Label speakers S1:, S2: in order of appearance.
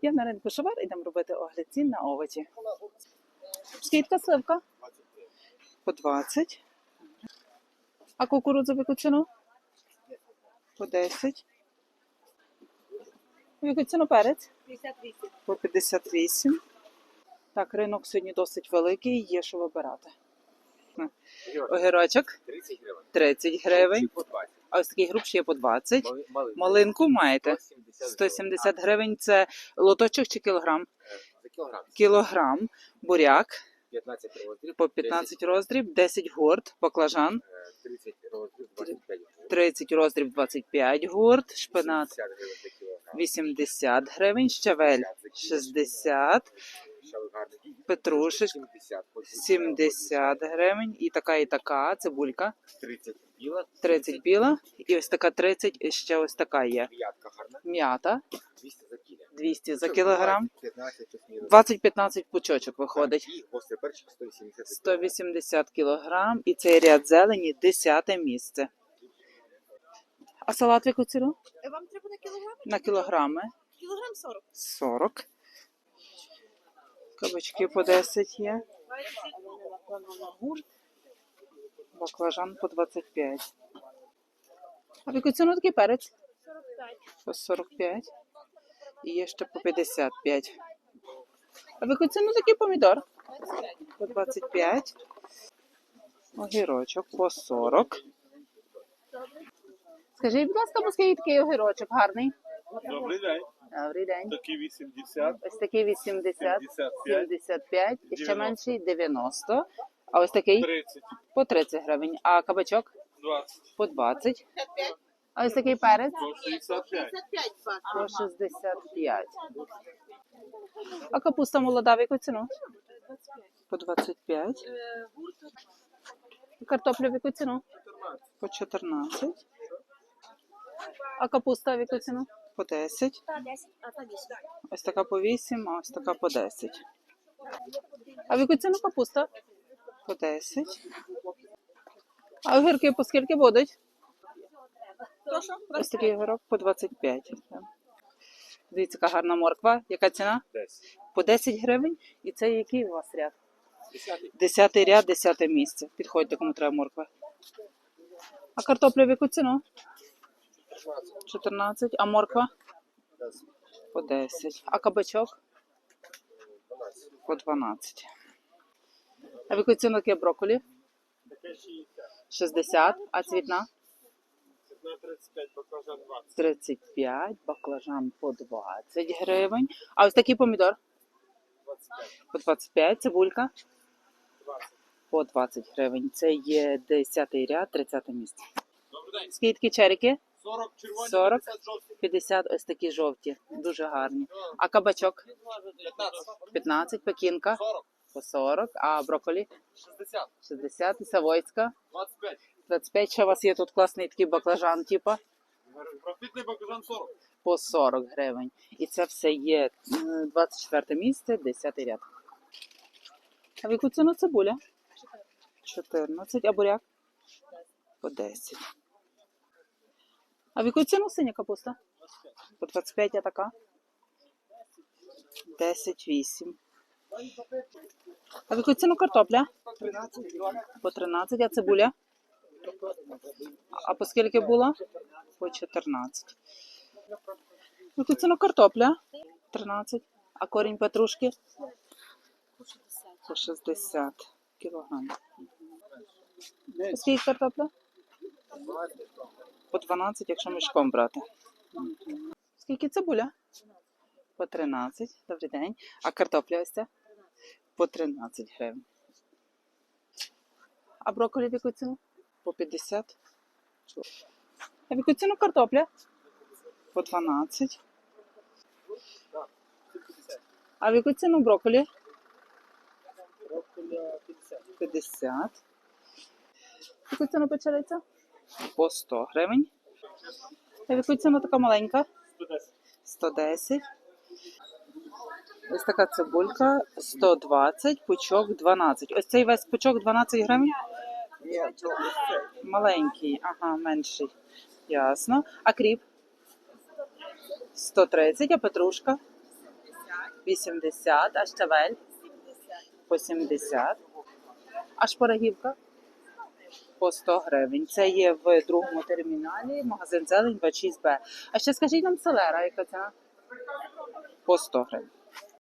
S1: Я на ринку Шовар, ідемо робити огляд цін на овочі. Скільки сливка? По 20. А кукурудзу в яку ціну? По 10. В яку ціну перець?
S2: 58.
S1: По 58. Так, ринок сьогодні досить великий, є що вибирати. Огірочок
S3: 30 гривень.
S1: 30 гривень.
S3: По 20.
S1: А ось такий грубший є по 20.
S3: Малинку.
S1: Малинку маєте?
S3: 170
S1: 170 гривень. Це лоточок чи кілограм?
S3: за кілограм.
S1: Кілограм. Буряк
S3: 15 роздріб.
S1: по 15 роздріб, 10 гурт. Баклажан
S3: 30 роздріб, 25 гривень.
S1: 30 роздріб, 25 гурт. Шпинат
S3: 60 гривень за кілограм.
S1: 80 гривень. Щавель 60.
S3: Шалик гарний.
S1: Петрушек
S3: 70.
S1: 70 гривень. І така цибулька
S3: 30 біла.
S1: 30 біла. І ось така 30, і ще ось така є.
S3: М'ятка гарна.
S1: М'ята
S3: 200 за кіло.
S1: 200 за кілограм.
S3: 15 плюс-мінус.
S1: 20-15 пучочок виходить.
S3: І гострий перчик 180 за кілограм.
S1: 180 кілограм. І цей ряд зелені 10 місце. А салат в яку ціну?
S2: Вам треба на кілограм?
S1: На кілограми.
S2: Кілограм 40.
S1: 40. Кабачки по 10 є. Баклажан по 25. А в яку ціну такий перець?
S2: 45.
S1: По 45. І є ще по 55. А в яку ціну такий помідор?
S2: 25.
S1: По 25. Огірочок по 40. Скажіть, будь ласка, оскільки такий огірочок гарний?
S4: Добрий день.
S1: Добрий день.
S4: Такі 80,
S1: Ось такий 80,
S4: 75,
S1: 75, і ще
S4: 90.
S1: менший 90. А ось такий
S4: 30,
S1: по 30 гривень. А кабачок
S4: 20,
S1: по 20. А ось такий перець
S4: по 65.
S2: 55 бак.
S1: по 65. А капуста молода в яку ціну? По 25. Картопля в яку ціну? По 14. А капуста в яку ціну? По 10.
S2: Та 10, а та 10.
S1: Ось така по 8, а ось така по 10. А в яку ціну капуста? По 10. А огірки по скільки будуть?
S2: Прошу?
S1: Ось такий огірок по 25. Дивіться, яка гарна морква. Яка ціна?
S4: 10.
S1: По 10 гривень. І це який у вас ряд?
S4: 10.
S1: 10 ряд, 10 місце. Підходьте, кому треба морква. А картопля в яку ціну? 14. А морква? По 10. А кабачок? По 12. А в яку ціну таке брокколі? 60. А цвітна?
S4: На 35, баклажан 20.
S1: 35. Баклажан по 20 гривень. А ось такий помідор?
S4: 25.
S1: По 25. Цибулька?
S4: 20.
S1: По 20 гривень. Це є 10 ряд, 30 місце.
S4: Добрий день.
S1: Скільки черіки?
S4: 40 червоні,
S1: 40.
S4: 50 жовті.
S1: 50. Ось такі жовті. Дуже гарні. А кабачок?
S4: 15.
S1: 15. Пекінка?
S4: 40.
S1: По 40. А брокколі?
S4: 60.
S1: 60. І савойська?
S4: 25.
S1: 25. Ще у вас є тут класний такий баклажан, типа?
S4: Профітний баклажан 40.
S1: По 40 гривень. І це все є 24 місце, 10 ряд. А в яку ціну цибуля? 14. А буряк? По 10. А в яку ціну синя капуста? По 25, а така? 10,8. А в яку ціну картопля? По 13. А цибуля? А по скільки було? По 14. В яку ціну картопля? 13. А корінь петрушки? По 60 кілограм. А скільки картопля? По 12, якщо мішком брати. Скільки цибуля? По 13. Добрий день. А картопля ось ця? По 13 гривень. А брокколі в яку ціну? По 50. А в яку ціну картопля? По 12. А в яку ціну брокколі? 50. В яку ціну печериця? По 100 гривень. А в яку ціну така маленька? 110. Ось така цибулька 120, пучок 12. Ось цей весь пучок 12 гривень? Маленький, ага, менший. Ясно. А кріп? 130, а петрушка? 80, а щавель? По 70. А шпарагівка? По 100 гривень. Це є в другому терміналі, магазин «Зелень» 26Б. А ще скажіть нам селера, яка ціна? По 100 гривень.